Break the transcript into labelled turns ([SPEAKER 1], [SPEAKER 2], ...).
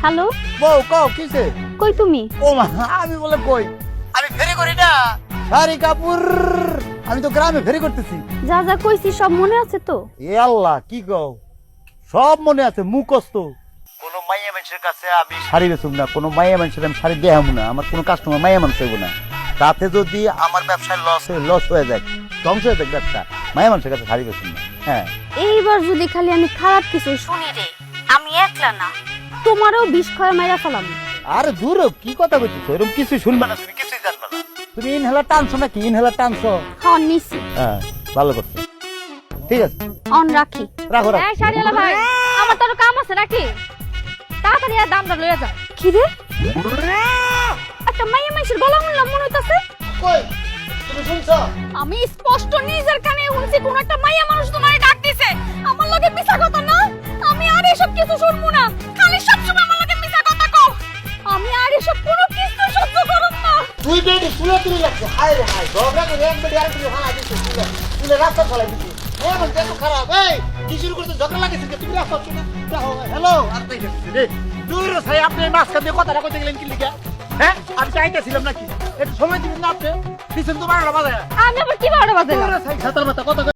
[SPEAKER 1] Hello,
[SPEAKER 2] বউ কও কিসে?
[SPEAKER 1] কই তুমি?
[SPEAKER 2] ও মা, আমি বলে কই, আমি ফেরি করি না সারি কাপুর, আমি তো গ্রামে ফেরি করতেছি।
[SPEAKER 1] যা যা কইছি সব মনে আছে তো?
[SPEAKER 2] এ আল্লাহ, কি কও, সব মনে আছে, মুখস্থ। কোন মাইয়া মানুষের কাছে আমি শাড়ি বেচুম না, কোন মাইয়া মানুষের আমি শাড়ি দেখাম না, আমার কোন কাস্টমার মাইয়া মানুষ হইব না। তাতে যদি আমার ব্যবসায় লস হয়ে যায়, ধ্বংস হয়ে যায় ব্যবসা, মাইয়া মানুষের কাছে শাড়ি বেচুম না। হ্যাঁ,
[SPEAKER 1] এইবার যদি খালি আমি খারাপ কিছু শুনি রে, আমি একলা না, তোমারও বিষ খয় মাইরা ফেলাম।
[SPEAKER 2] আরে দূর হ, কি কথা কইতেছো, এরকম কিছু শুনবা না, তুমি কিছুই জানবা না। তুমি ইনহেলার টানছো নাকি? ইনহেলার টানছো?
[SPEAKER 1] হন নিছি।
[SPEAKER 2] হ্যাঁ, ভালো করছো, ঠিক আছে,
[SPEAKER 1] অন রাখি।
[SPEAKER 2] রাখো রাখো।
[SPEAKER 3] এই শাড়িওয়ালা ভাই, আমার তো আরো কাম আছে নাকি? তাড়াতাড়ি আর দামটা লইয়া যা।
[SPEAKER 1] কি রে, একটা মাইয়া মানুষের গলা শুনলাম মনে হইতাছে।
[SPEAKER 2] কই, তুমি শুনছো?
[SPEAKER 3] আমি স্পষ্ট নিজের কানে শুনছি কোন একটা মাইয়া মানুষ তোমারে ডাক দিছে। আমার লগে মিছা কথা না, আমি আর এসব কিছু শুনবো না। খালি সবসময় আমার লগে মিছা কথা কও। আমি আর এসব কোনো কিছু সহ্য করব না।
[SPEAKER 2] তুই বেডি শুলে তুই লাগছে, হায় রে হায়, ঝগড়া করে এক বেডি আরেক বেডি ফালা দিছিস, তুই রাস্তা ফলাই দিছিস। এই আমার দেখো খারাপ, এই কি শুরু করতে ঝগড়া লাগেছিস, তুমি রাস্তা শুনে হ্যালো, আর তাই যাচ্ছে রে। দূর ভাই, আপনি মাঝখান দিয়ে কথাটা কইতে গেলেন কি লিখা? হ্যাঁ, আমি চাইতেছিলাম নাকি? একটু সময় দিবেন না আপনি? পিছন তো 12টা বাজে।
[SPEAKER 3] আমি আবার কি বারো বাজে?
[SPEAKER 2] দূর ভাই, ছাতার মাথা কথা